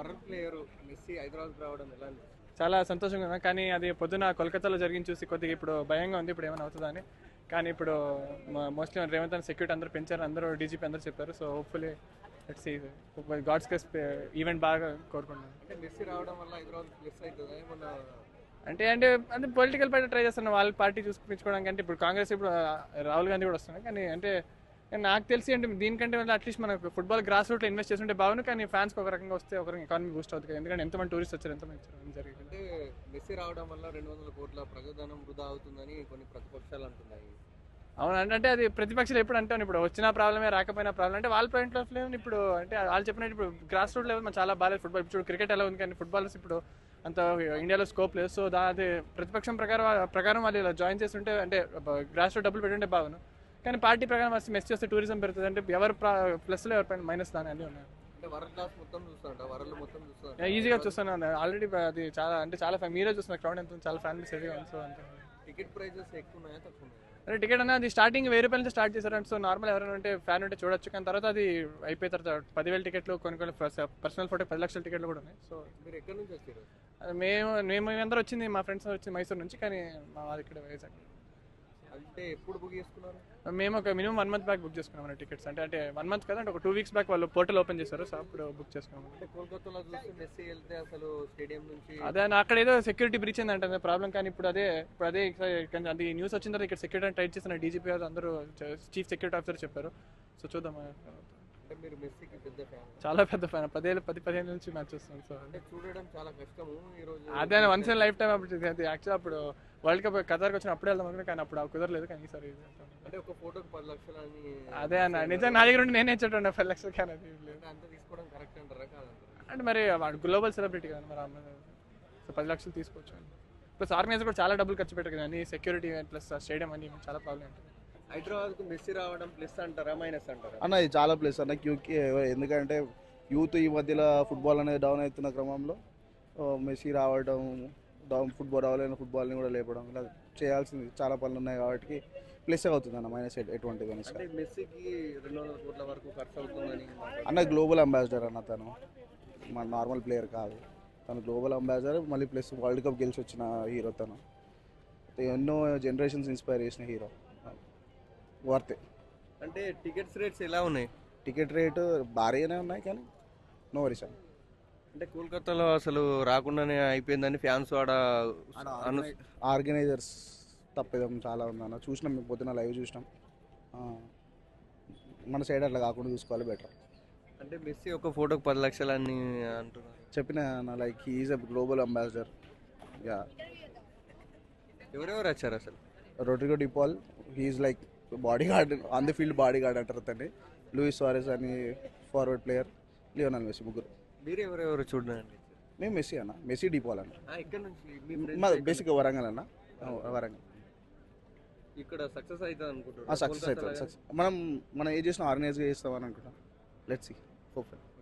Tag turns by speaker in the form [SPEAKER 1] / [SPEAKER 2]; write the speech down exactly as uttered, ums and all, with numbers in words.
[SPEAKER 1] World player Messi Hyderabad రావడం ఎలా అనిపిస్తుంది?
[SPEAKER 2] చాలా సంతోషంగా ఉన్నా, కానీ అది పొద్దున కోల్కతాలో జరిగింది చూసి కొద్దిగా ఇప్పుడు భయంగా ఉంది, ఇప్పుడు ఏమైనా అవుతుందని. కానీ ఇప్పుడు మోస్ట్లీ రేవంత్ అని సెక్యూరిటీ అందరూ పెంచారు, అందరూ డీజీపీ అందరూ చెప్పారు. So hopefully let's see God's case event బాగా కోరుకుంటున్నాను.
[SPEAKER 1] అంటే మెస్సీ రావడం వల్ల హైదరాబాద్ ప్లస్ అవుతుంది ఏమన్నా?
[SPEAKER 2] అంటే అంటే అంటే పొలిటికల్ పార్టీ ట్రై చేస్తున్నారు వాళ్ళ పార్టీ చూసుకుంపించుకోవడానికి. అంటే ఇప్పుడు కాంగ్రెస్ ఇప్పుడు రాహుల్ గాంధీ కూడా వస్తున్నాయి, కానీ అంటే నాకు తెలిసి అంటే దీనికంటే అట్లీస్ట్ మనకు ఫుట్బాల్ గ్రాస్ రూట్లో ఇన్వెస్ట్ చేస్తుంటే బాగుంది. కానీ ఫ్యాన్స్కి ఒక రకంగా వస్తే ఒక ఎకానమీ బూస్ట్ అవుతుంది, ఎందుకంటే ఎంతమంది టూరిస్ట్ వచ్చారు, ఎంతమంది వచ్చారు జరిగింది.
[SPEAKER 1] అంటే మెస్సీ రావడం వల్ల రెండు వందల కోట్ల ప్రజాధనం వృధా అవుతుందని కొన్ని ప్రతిపక్షాలు అంటున్నాయి.
[SPEAKER 2] అవును, అంటే అది ప్రతిపక్షాలు ఎప్పుడు అంటాను, ఇప్పుడు వచ్చిన ప్రాబ్లమే రాకపోయినా ప్రాబ్లం. అంటే వాళ్ళ పాయింట్ ఆఫ్ వ్యూ ఇప్పుడు అంటే వాళ్ళు చెప్పినట్టు ఇప్పుడు గ్రాస్ రూట్ లెవెల్ చాలా బాగాలేదు ఫుట్బాల్. ఇప్పుడు క్రికెట్ ఎలా ఉంది, కానీ ఫుట్బాల్స్ ఇప్పుడు అంత ఇండియాలో స్కోప్ లేదు. సో దా అది ప్రతిపక్షం ప్రకారం ప్రకారం వాళ్ళు ఇలా జాయిన్ చేస్తుంటే అంటే గ్రాస్ రూట్ డబ్బులు పెట్టుంటే బాగును. కానీ పార్టీ ప్రకారం వస్తే మెస్ చేస్తే టూరిజం పెరుగుతుంది. అంటే ఎవరు ప్లస్లో ఎవరి పైన మైనస్ దాని అన్నీ ఉన్నాయి.
[SPEAKER 1] అంటే వరల్డ్ క్లాస్ మొత్తం చూస్తారంట, వరల్డ్ మొత్తం చూస్తారంట.
[SPEAKER 2] ఈజీగా చూస్తున్నాను ఆల్రెడీ, అది చాలా అంటే చాలా ఫ్యాన్ మీరే చూస్తున్నారు, క్రౌడ్ ఎంత చాలా ఫ్యాన్ బేస్ హెవీగా ఉంది. సో అంతే.
[SPEAKER 1] టికెట్ ప్రైజెస్ ఎక్కువ ఉన్నాయా తక్కువ ఉన్నాయా?
[SPEAKER 2] అంటే టికెట్ అనేది స్టార్టింగ్ వెయ్యి రూపాయల నుంచి స్టార్ట్ చేశారంటే, సో నార్మల్ ఎవరైనా ఉంటే ఫ్యాన్ ఉంటే చూడొచ్చు. కానీ తర్వాత అది అయిపోయిన తర్వాత పదివేల టికెట్లు, కొన్ని కొన్ని పర్సనల్ ఫోటో పది లక్షల టికెట్లు కూడా ఉన్నాయి. సో
[SPEAKER 1] మీరు ఎక్కడి నుంచి వచ్చారు?
[SPEAKER 2] అది మేము మేము అందరూ వచ్చింది మా ఫ్రెండ్స్ వచ్చి మైసూర్ నుంచి, కానీ మా వాళ్ళు ఇక్కడ వైజాగ్.
[SPEAKER 1] అంటే ఎప్పుడు బుక్ చేసుకున్నారు?
[SPEAKER 2] మేము ఒక minimum one month back book చేసుకున్నాం టికెట్స్. అంటే అంటే వన్ మంత్ కదా, అంటే ఒక టూ వీక్స్ బ్యాక్ వాళ్ళు పోర్టల్ ఓపెన్ చేశారు, సో అప్పుడు బుక్ చేసుకున్నాం.
[SPEAKER 1] అంటే కోల్కతాలో చూస్తే మెస్సీ వెళ్తే అసలు స్టేడియం నుంచి
[SPEAKER 2] అదే అక్కడ ఏదో సెక్యూరిటీ బ్రీచ్ అంటే ప్రాబ్లం. కానీ ఇప్పుడు అదే ఇప్పుడు అదే అది న్యూస్ వచ్చిన తర్వాత ఇక్కడ సెక్యూరిటీ టైట్ చేసిన డీజీపీ అందరూ చీఫ్ సెక్యూరిటీ ఆఫీసర్ చెప్పారు. సో చూద్దాం.
[SPEAKER 1] అంటే మీరు మెస్సీకి పెద్ద ఫ్యాన్?
[SPEAKER 2] చాలా పెద్ద ఫ్యాన్, పదేళ్ళు పది పదిహేను నుంచి మ్యాచ్ చూస్తాను. సో
[SPEAKER 1] అంటే చూడడం చాలా కష్టము ఈ రోజు.
[SPEAKER 2] అదే వన్స్ ఇన్ లైఫ్ టైం అప్పుడు అది యాక్చువల్ అప్పుడు వరల్డ్ కప్ ఖతార్కి వచ్చిన అప్పుడే వెళ్దాం అనుకున్నా, కానీ అప్పుడు కుదరలేదు. కానీ ఈసారి
[SPEAKER 1] అంటే ఒక ఫోటోకి పది లక్షలు అని.
[SPEAKER 2] అదే అన్న నిజంగా నా దగ్గర ఉండి నేనే ఇచ్చేటండి పది లక్షలు, కానీ అది లేదు.
[SPEAKER 1] అంత తీసుకోవడం కరెక్ట్ అంటారా కాదంటారా?
[SPEAKER 2] అంటే మరి వాడు గ్లోబల్ సెలబ్రిటీ కదా మరి అమ్మాయి, సో పది లక్షలు తీసుకోవచ్చు. ప్లస్ ఆర్గనైజర్ కూడా చాలా డబ్బులు ఖర్చు పెట్టారు కదా, అన్ని సెక్యూరిటీ ప్లస్ స్టేడియం అని చాలా ప్రాబ్లం ఉంటుంది.
[SPEAKER 1] హైదరాబాద్ కు మెస్సీ రావడం ప్లస్ అంటారా మైనస్ అంటారా?
[SPEAKER 3] అన్న ఇది చాలా ప్లస్ అన్న క్యూకి, ఎందుకంటే యూత్ ఈ మధ్యలో ఫుట్బాల్ అనేది డౌన్ అవుతున్న క్రమంలో మెస్సీ రావడం, డౌన్ ఫుట్బాల్ రావాలని ఫుట్బాల్ని కూడా లేపడం, ఇలా చేయాల్సింది చాలా పనులు ఉన్నాయి కాబట్టి ప్లస్ అవుతుంది అన్న, మైనస్ ఎటువంటి
[SPEAKER 1] అంటే మెస్సీకి రెండు వందల కోట్ల వరకు ఖర్చు అవుతుందని
[SPEAKER 3] అన్న. గ్లోబల్ అంబాసిడర్ అన్న, తను మన నార్మల్ ప్లేయర్ కాదు, తను గ్లోబల్ అంబాసిడర్. మళ్ళీ ప్లస్ వరల్డ్ కప్ గెలిచి వచ్చిన హీరో తను, ఎన్నో జనరేషన్స్ ఇన్స్పైర్ చేసిన హీరో. వర్తే.
[SPEAKER 1] అంటే టికెట్స్ రేట్స్ ఎలా ఉన్నాయి?
[SPEAKER 3] టికెట్ రేటు భారీగానే ఉన్నాయి, కానీ నో వరీస్ అన్న.
[SPEAKER 1] అంటే కోల్కతాలో అసలు రాకుండానే అయిపోయిందని ఫ్యాన్స్ ఆడ
[SPEAKER 3] ఆర్గనైజర్స్ తప్పేదం చాలా ఉందన్న. చూసినాం మేము పొద్దున లైవ్ చూసినాం. మన సైడ్ అట్లా కాకుండా చూసుకోవాలి బెటర్.
[SPEAKER 1] అంటే మెస్సీ ఒక ఫోటోకి పది లక్షలు అని అంటున్నారు.
[SPEAKER 3] చెప్పిన like he's a global ambassador. Yeah.
[SPEAKER 1] ఎవరెవరు వచ్చారు అసలు?
[SPEAKER 3] Rodrigo De Paul, he's like body guard, on the field body guard అంటారు అతన్ని. లూయిస్ సువారెజ్ అని ఫార్వర్డ్ ప్లేయర్, లియోనల్ మెస్సీ, ముగ్గురు.
[SPEAKER 1] మీరు ఎవరెవరు చూడండి?
[SPEAKER 3] మేము మెస్సీ అన్న, మెస్సీ డిపాల్ అన్న.
[SPEAKER 1] ఇక్కడ నుంచి
[SPEAKER 3] మా బేసిక్గా వరంగల్ అన్న, వరంగల్.
[SPEAKER 1] ఇక్కడ సక్సెస్ అవుతుంది అనుకుంటున్నాను.
[SPEAKER 3] సక్సెస్ అవుతుంది. సక్సెస్ మనం మనం ఏం చేసినా ఆర్గనైజ్గా చేస్తామని అనుకుంటాం. Let's see, hopeful.